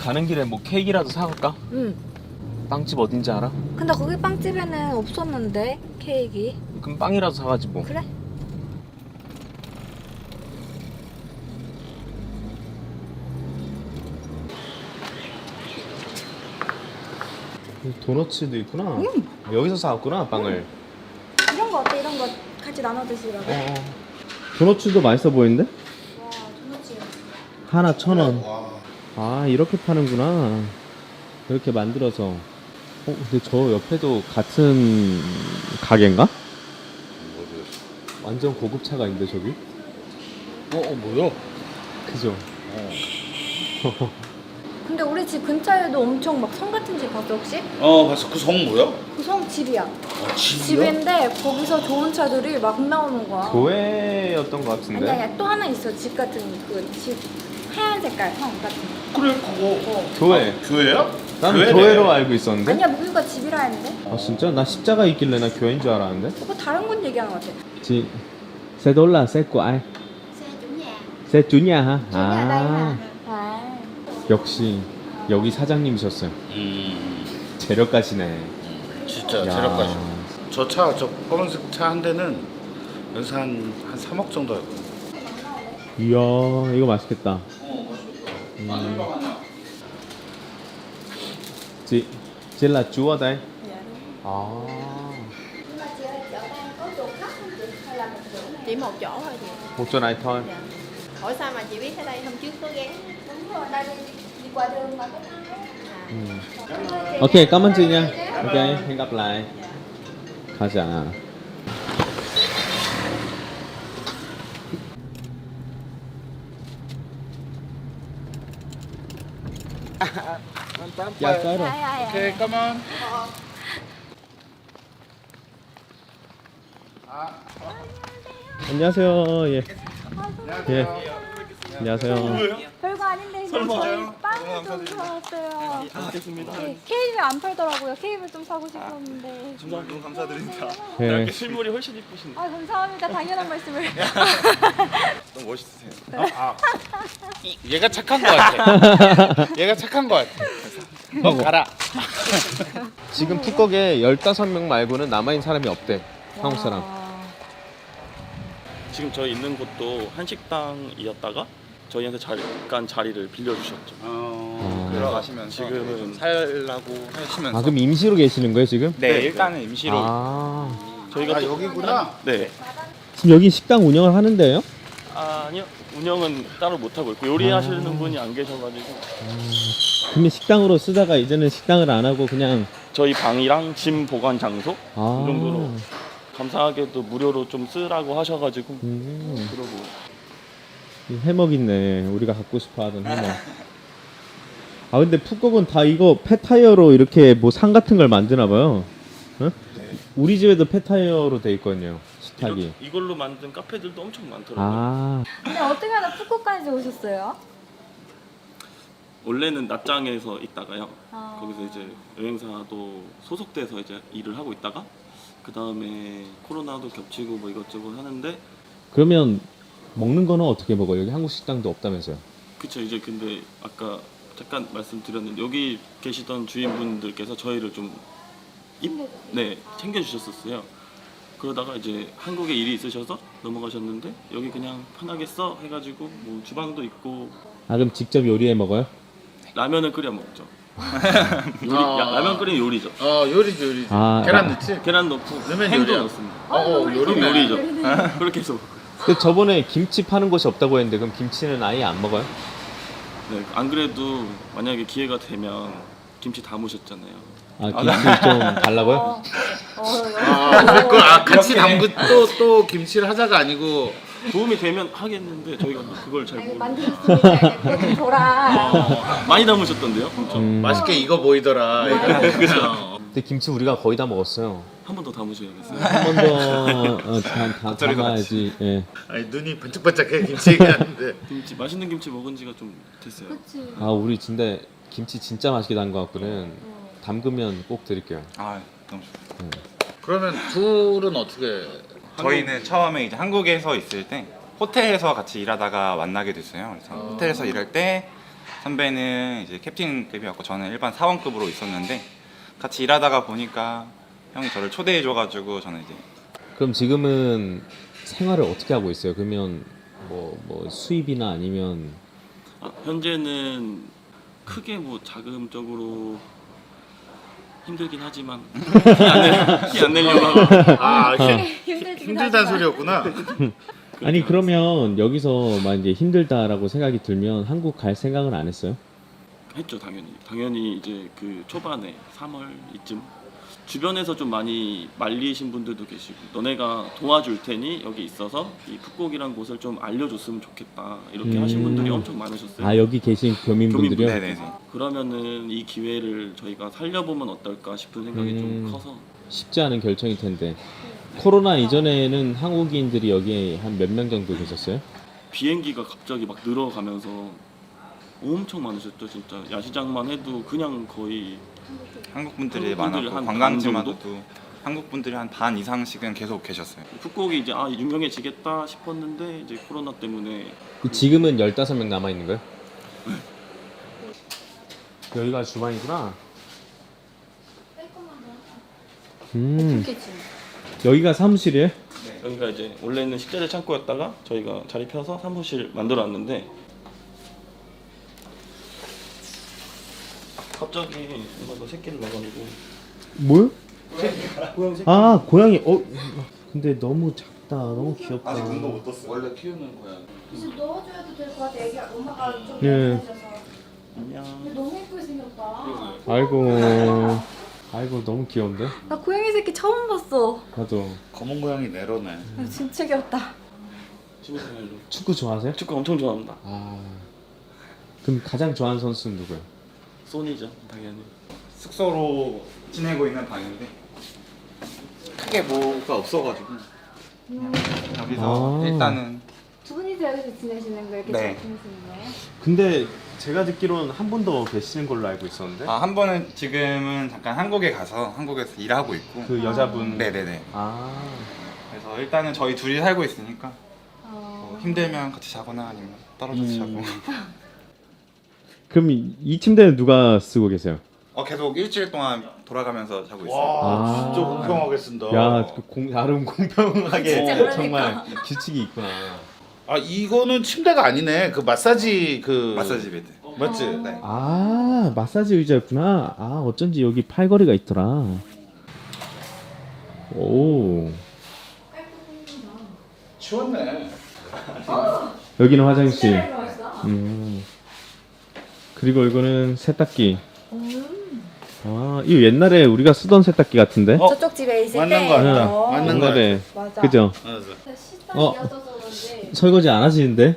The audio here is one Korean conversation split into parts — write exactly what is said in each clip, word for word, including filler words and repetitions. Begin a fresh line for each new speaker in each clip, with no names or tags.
가는 길에 뭐 케이크라도 사갈까?
응.
빵집 어딘지 알아?
근데 거기 빵집에는 없었는데 케이크.
그럼 빵이라도 사가지 뭐.
그래?
도너츠도 있구나.
음.
여기서 사왔구나 빵을.
이런 거 어때? 이런 거 같이 나눠 드시라고.
어. 도너츠도 맛있어 보이는데?
와, 도넛이.
하나 천 원. 아 이렇게 파는구나. 이렇게 만들어서. 어 근데 저 옆에도 같은 가게인가? 완전 고급 차가 있는데 저기?
어, 어 뭐야?
그죠?
근데 우리 집 근처에도 엄청 막 성 같은 집 봤어 혹시?
어 봤어. 그 성 뭐야?
그 성 집이야.
아, 집이야?
집인데 거기서 좋은 차들이 막 나오는 거야.
교회였던 것
아니
같은데?
아니 또 하나 있어 집 같은 그 집 하얀 색깔 성 같은 거.
그래 그거.
어.
교회.
아, 교회야?
나는
교회네.
교회로 알고 있었는데?
아니야 무기가 집이라 했는데?
아 진짜? 나 십자가 있길래 나 교회인 줄 알았는데?
그거 다른 건 얘기하는 것 같아.
Chị xe đó là xe của ai?
xe chủ nhà.
xe chủ nhà hả?
chủ nhà đây mà.
아
아.
역시 여기 사장님이셨어요.
음.
재력가시네.
진짜
야.
재력가시. 저 차, 저 검은색 차 한 대는 여기서 한, 한 삼억 정도 할거야.
이야 이거 맛있겠다. 음. Chị, chị là chú ở đây?
Dạ đúng.
아.
Nhưng mà chị ơi, chỗ đây có chỗ khác không chị? Hay là một chỗ này?
Chỉ một chỗ thôi chị.
một chỗ này thôi.
Dạ. Ủa sao mà chị biết ở đây hôm trước có ghé?
Đúng rồi, đây đi, đi qua đường mà có thang ấy.
음. Ok, cảm ơn chị nha. Ok, hẹn gặp lại. 가자. Dạ tới rồi.
Ai, ai,
오케이,
ai.
까만.
안녕하세요. 예. 예. 안녕하세요.
별거 아닌데 그냥 저희 빵을 좀 사왔어요.
알겠습니다.
네, 케이크를 안 팔더라고요. 케이크를 좀 사고 싶었는데.
너무 감사드립니다.
예.
이렇게 실물이 훨씬 이쁘신데
아 감사합니다. 당연한 말씀을.
너무 멋있으세요.
아, 얘가 착한 거 같아. 얘가 착한 거 같아. 너 가라.
지금 푸꺽에 열다섯 명 말고는 남아있는 사람이 없대. 한국 사람.
와.
지금 저희 있는 곳도 한식당이었다가 저희한테 잠깐 자리를 빌려주셨죠.
어,
들어가시면서
지금은
살라고 하시면서
아 그럼 임시로 계시는 거예요 지금?
네, 일단은 임시로
아
저희가
아,
또-
여기구나.
네.
지금 여기 식당 운영을 하는데요?
아, 아니요. 운영은 따로 못 하고 있고 요리하시는
아.
분이 안 계셔가지고
근데 식당으로 쓰다가 이제는 식당을 안 하고 그냥
저희 방이랑 짐 보관 장소
아
이 정도로 감사하게도 무료로 좀 쓰라고 하셔가지고
음,
그러고
이 해먹 있네. 우리가 갖고 싶어하던 해먹. 아 근데 푸꺽은 다 이거 폐타이어로 이렇게 뭐 상 같은 걸 만드나 봐요. 어? 우리 집에도 폐타이어로 돼 있거든요. 식탁이.
이렇게 이걸로 만든 카페들도 엄청 많더라고요.
아
근데 어떻게 하다 푸꾸까지 오셨어요?
원래는 낮장에서 있다가요.
아.
거기서 이제 여행사도 소속돼서 이제 일을 하고 있다가 그 다음에 코로나도 겹치고 뭐 이것저것 하는데
그러면 먹는 거는 어떻게 먹어요? 여기 한국 식당도 없다면서요?
그쵸 이제 근데 아까 잠깐 말씀드렸는데 여기 계시던 주인분들께서 저희를 좀 입, 네 챙겨주셨었어요. 그러다가 이제 한국에 일이 있으셔서 넘어가셨는데 여기 그냥 편하게 써 해가지고 뭐 주방도 있고
아 그럼 직접 요리해 먹어요?
라면을 끓여 먹죠. 요리,
아.
야, 라면 끓이는 요리죠.
어, 요리지, 요리지.
아,
계란
아.
넣지?
계란 넣고
넣으면
햄도
요리야.
넣습니다.
어, 어,
그럼
요리네.
요리죠. 그렇게 해서 먹어요.
근데 저번에 김치 파는 곳이 없다고 했는데 그럼 김치는 아예 안 먹어요?
네, 안 그래도 만약에 기회가 되면 김치 담으셨잖아요.
아 김치 좀 달라고요?
어, 어,
아, 그걸 아, 같이 담그 또, 또 김치를 하자가 아니고.
도움이 되면 하겠는데 저희가 그걸 잘
아니,
모르고
만들었으니까 그거 좀 줘라.
많이 담으셨던데요? 엄청.
음.
맛있게 익어 보이더라. 이거. 그죠?
근데 김치 우리가 거의 다 먹었어요.
한 번 더 담으셔야겠어요.
한 번 더 어, 다, 다
겉절이도
담아야지. 예.
아니, 눈이 반짝반짝해, 김치 얘기하는데.
김치 맛있는 김치 먹은 지가 좀 됐어요.
그치.
아 우리 진짜 김치 진짜 맛있게 담은 것 같거든. 담그면 꼭 드릴게요.
아 너무 좋아요.
그러면 둘은 어떻게.
저희는 처음에 이제 한국에서 있을 때 호텔에서 같이 일하다가 만나게 됐어요. 그래서 호텔에서 일할 때 선배는 이제 캡틴급이었고 저는 일반 사원급으로 있었는데 같이 일하다가 보니까 형이 저를 초대해줘가지고 저는 이제
그럼 지금은 생활을 어떻게 하고 있어요? 그러면 뭐, 뭐 수입이나 아니면
아, 현재는 크게 뭐 자금적으로 힘들긴 하지만 티 안 내려고 하고
아
힘들긴
힘들다는
하지만.
소리였구나.
아니 그러면 여기서 막 이제 힘들다라고 생각이 들면 한국 갈 생각은 안 했어요?
했죠. 당연히 당연히 이제 그 초반에 삼월 이쯤 주변에서 좀 많이 말리신 분들도 계시고 너네가 도와줄 테니 여기 있어서 이 풋곡이란 곳을 좀 알려줬으면 좋겠다 이렇게
음.
하신 분들이 엄청 많으셨어요.
아 여기 계신 교민분들이요?
네네.
그러면은 이 기회를 저희가 살려보면 어떨까 싶은 생각이
음.
좀 커서
쉽지 않은 결정일 텐데 코로나 이전에는 한국인들이 여기에 한 몇 명 정도 계셨어요?
비행기가 갑자기 막 늘어가면서 엄청 많으셨죠. 진짜 야시장만 해도 그냥 거의
한국 분들이
한국 분들이
많았고
한
관광지마다도 한국 분들이 한 반 이상씩은 계속 계셨어요.
풋곡이 이제 아 유명해지겠다 싶었는데 이제 코로나 때문에
지금은 열다섯 명 남아있는 거예요? 여기가 주방이구나. 음, 여기가 사무실이에요?
여기가 이제 원래는 식자재 창고였다가 저희가 자리 펴서 사무실 만들어놨는데 갑자기 엄마가 새끼를 낳아가지고
뭘? 아 고양이. 어 근데 너무 작다. 너무 귀엽다.
원래 키우는 거야.
이제 넣어줘야도 될 것 같아. 애기 엄마가 좀
예.
예뻐져서.
안녕.
근데 너무 예쁘게 생겼다.
아이고 아이고 너무 귀여운데?
나 고양이 새끼 처음 봤어.
나도.
검은 고양이 내로네.
야, 진짜 귀엽다.
취미생활로
축구 좋아하세요?
축구 엄청 좋아합니다.
아 그럼 가장 좋아하는 선수는 누구예요?
소니죠 당연히.
숙소로 지내고 있는 방인데
크게 뭐가 없어가지고.
여기서
아.
일단은
두 분이서 여기서 지내시는 거 이렇게
네.
잘 지내시는 거예요?
근데 제가 듣기로는 한 분 더 계시는 걸로 알고 있었는데
아, 한 번은 지금은 잠깐 한국에 가서 한국에서 일하고 있고
그 여자분.
네네네.
아
그래서 일단은 저희 둘이 살고 있으니까
어...
뭐 힘들면 같이 자거나 아니면 떨어져서
음.
자고
그럼 이, 이 침대는 누가 쓰고 계세요?
어 계속 일주일 동안 돌아가면서 자고 있어요.
와
아.
진짜 공평하게 쓴다.
야, 그 공, 나름 공평하게
진짜 그러니까.
정말 규칙이 있구나.
아 이거는 침대가 아니네. 그 마사지 그
마사지 베드.
맞지?
네.
아, 마사지 의자였구나. 아, 어쩐지 여기 팔걸이가 있더라. 오,
치웠네.
여기는 화장실.
진짜 맛있어.
음. 그리고 이거는 세탁기. 아, 이거 옛날에 우리가 쓰던 세탁기 같은데?
어?
저쪽 집에 있을
맞는
때.
거 같아.
어.
맞는 거
옛날에.
맞아.
그죠?
맞아.
식당이
어.
이어져서 그런지.
설거지 안 하시는데?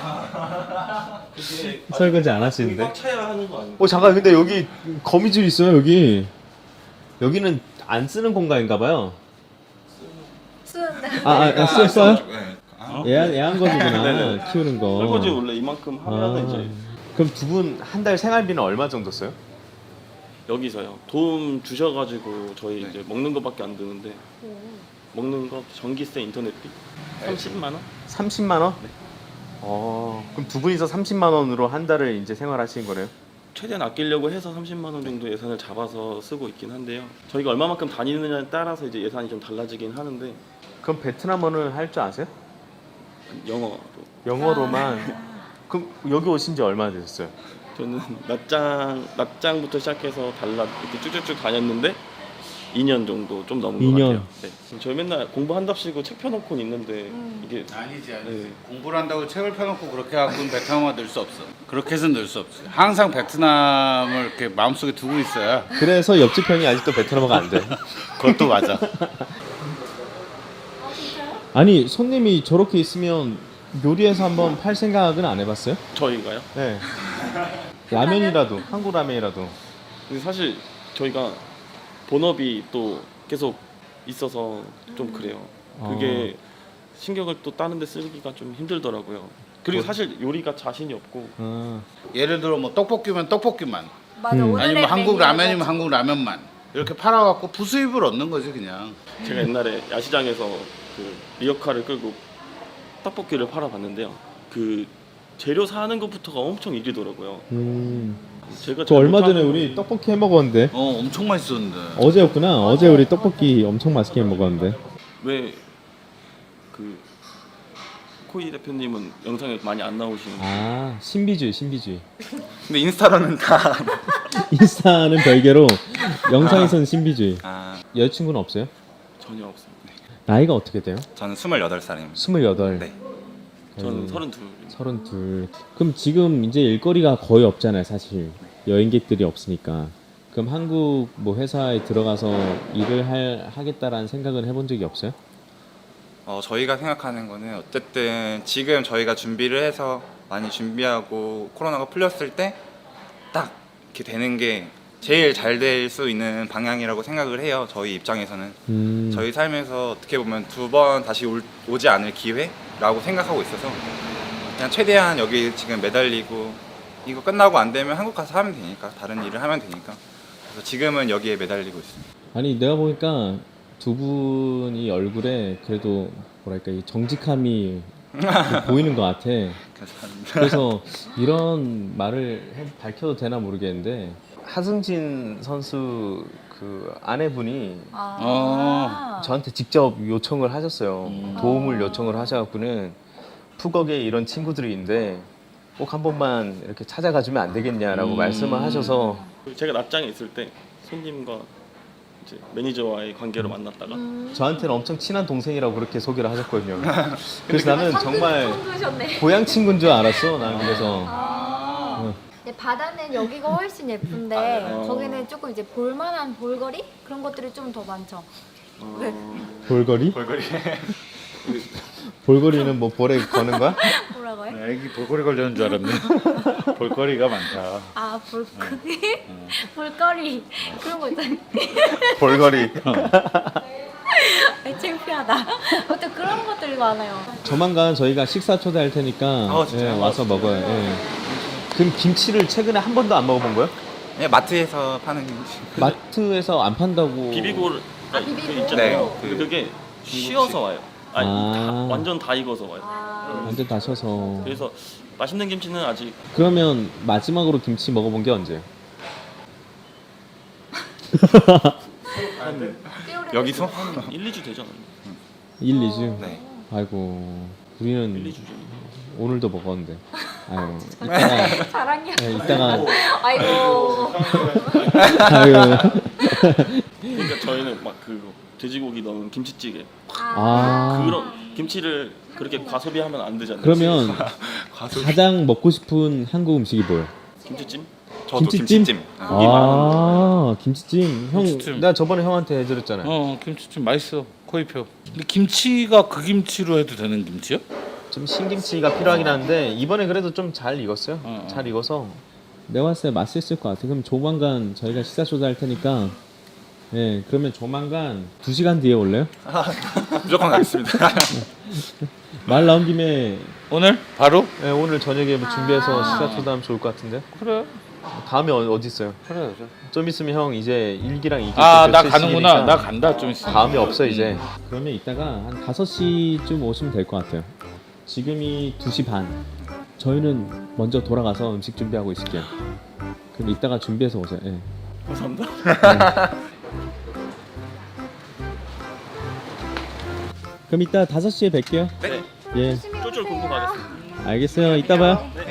설거지 안 하시는데?
꽉 차야 하는 거 아니에요?
어 잠깐 근데 여기 거미줄 있어요 여기. 여기는 안 쓰는 공간인가 봐요.
쓰는데.
아, 아, 아 써, 써요?
네. 아,
애완, 애완거지구나.
네네.
키우는 거.
설거지 원래 이만큼 하면
아.
이제
그럼 두 분 한 달 생활비는 얼마 정도 써요?
여기서요. 도움 주셔가지고 저희
네.
이제 먹는 거밖에 안 드는데 먹는 거 전기세 인터넷비 삼십만 원?
삼십만 원? 어, 그럼 두 분이서 삼십만 원으로 한 달을 이제 생활하시는 거네요?
최대한 아끼려고 해서 삼십만 원 정도 예산을 잡아서 쓰고 있긴 한데요. 저희가 얼마만큼 다니느냐에 따라서 이제 예산이 좀 달라지긴 하는데
그럼 베트남어는 할 줄 아세요?
영어로
영어로만. 그럼 여기 오신 지 얼마나 되셨어요?
저는 낮장 낮장부터 시작해서 달라 이렇게 쭉쭉쭉 다녔는데 이 년 정도 좀 넘은
이
것
년.
같아요. 네. 저희 맨날 공부한답시고 책 펴놓고는 있는데
음.
이게
아니지 아니지.
네.
공부를 한다고 책을 펴놓고 그렇게 갖고는 베트남어 늘 수 없어. 그렇게 해서는 늘 수 없어. 항상 베트남을 이렇게 마음속에 두고 있어야.
그래서 옆집 형이 아직도 베트남어가 안 돼.
그것도 맞아.
아니 손님이 저렇게 있으면 요리해서 한번 팔 생각은 안 해봤어요?
저희가요.
네. 라면이라도 한국 라면이라도.
근데 사실 저희가 본업이 또 계속 있어서 좀 그래요. 그게 신경을 또 다른 데 쓰기가 좀 힘들더라고요. 그리고 사실 요리가 자신이 없고
아,
예를 들어 뭐 떡볶이면 떡볶이만,
맞아.
음.
오늘의
아니면 한국
메뉴가
라면이면 한국 라면만 이렇게 팔아갖고 부수입을 얻는 거지 그냥.
제가 옛날에 야시장에서 그 리어카를 끌고 떡볶이를 팔아봤는데요. 그 재료 사는 것부터가 엄청 일이더라고요.
음.
제가
저 얼마 전에
잘못하면
우리 떡볶이 해 먹었는데.
어 엄청 맛있었는데.
어제였구나. 어제 우리 떡볶이 엄청 맛있게 해 먹었는데.
왜 그 코이 대표님은 영상에 많이 안 나오시는 거예요?
아, 신비주의, 신비주의.
근데 인스타로는 다
인스타는 별개로 영상에서는 신비주의.
아,
여자친구는 없어요?
전혀 없습니다.
나이가 어떻게 돼요?
저는 스물여덟 살입니다.
스물여덟.
네.
저는 서른둘.
서른둘. 그럼 지금 이제 일거리가 거의 없잖아요, 사실. 여행객들이 없으니까. 그럼 한국 뭐 회사에 들어가서 일을 할, 하겠다라는 생각은 해본 적이 없어요?
어, 저희가 생각하는 거는 어쨌든 지금 저희가 준비를 해서 많이 준비하고 코로나가 풀렸을 때 딱 이렇게 되는 게 제일 잘 될 수 있는 방향이라고 생각을 해요. 저희 입장에서는.
음.
저희 삶에서 어떻게 보면 두 번 다시 올, 오지 않을 기회라고 생각하고 있어서 그냥 최대한 여기 지금 매달리고 이거 끝나고 안 되면 한국 가서 하면 되니까 다른 일을 하면 되니까 그래서 지금은 여기에 매달리고 있습니다.
아니 내가 보니까 두 분이 얼굴에 그래도 뭐랄까 이 정직함이 보이는 것 같아.
감사합니다.
그래서 이런 말을 해- 밝혀도 되나 모르겠는데 하승진 선수 그 아내분이
아.
저한테 직접 요청을 하셨어요.
음.
도움을 요청을 하셔갖고는 푸걱에 이런 친구들이 있는데 꼭 한 번만 이렇게 찾아가 주면 안 되겠냐라고
음.
말씀을 하셔서
제가 납장에 있을 때 손님과 이제 매니저와의 관계로 만났다가
저한테는 엄청 친한 동생이라고 그렇게 소개를 하셨거든요. 그래서 나는 정말
성두셨네.
고향 친구인 줄 알았어. 나는 그래서
아.
응.
근데 바다는 여기가 훨씬 예쁜데
아.
거기는 조금 이제 볼만한 볼거리 그런 것들이 좀 더 많죠. 왜?
볼거리?
볼거리.
볼거리는 뭐 볼에 거는 거야?
뭐라고요?
애기 볼거리 걸려는 줄 알았네. 볼거리가 많다.
아 볼거리? 볼거리 그런 거 있잖아요.
볼거리.
아, 창피하다. 어떤 그런 것들이 많아요.
조만간 저희가 식사 초대할 테니까
아, 진짜요?
예, 와서 먹어요. 예. 그럼 김치를 최근에 한 번도 안 먹어본 거예요?
네, 마트에서 파는
마트에서 안 판다고.
비비고가
아, 비비고.
그 있잖아요.
네, 그
그게 쉬어서 와요. 아니
아.
다, 완전 다 익어서 와요.
아.
완전 다셔서.
그래서 맛있는 김치는 아직
그러면 마지막으로 김치 먹어본 게 언제예요?
여기서
한 일, 이 주 되잖아요.
일, 이 주?
네.
아이고
일, 이
우리는
주 전에.
오늘도 먹었는데. 아유 이따가
자랑이야.
예, 이따가
아이고.
아유.
그러니까 저희는 막 그 돼지고기 넣은 김치찌개
아
그런 김치를 그렇게 과소비하면 안 되잖아요.
그러면 가장 먹고 싶은 한국 음식이 뭐예요?
김치찜?
저도
김치찜?
김치찜.
아 김치찜. 형
김치찜.
내가 저번에 형한테 해드렸잖아요.
어 김치찜 맛있어. 코이표. 근데 김치가 그 김치로 해도 되는 김치요?
좀 신김치가 필요하긴 한데 이번에 그래도 좀 잘 익었어요.
어, 어.
잘 익어서 내가 봤을 때 맛있을 것 같아. 그럼 조만간 저희가 식사 초대할 테니까 예 그러면 조만간 두 시간 뒤에 올래요?
무조건 가겠습니다.
말 나온 김에
오늘 바로?
예, 오늘 저녁에 뭐 준비해서
아.
식사 초대하면 좋을 것 같은데.
그래.
다음에 어, 어디 있어요?
그래.
좀 있으면 형 이제 일기랑 이기
아나 가는구나. 나 간다 좀 있어.
다음에 없어 이제. 그러면 이따가 한 다섯 시쯤 오시면 될 것 같아요. 지금이 두 시 반. 저희는 먼저 돌아가서 음식 준비하고 있을게요. 그럼 이따가 준비해서 오세요. 예.
감사합니다.
그럼 이따 다섯 시에 뵐게요.
네.
예.
쫄쫄 굶고 가겠습니다.
알겠어요. 이따 봐요.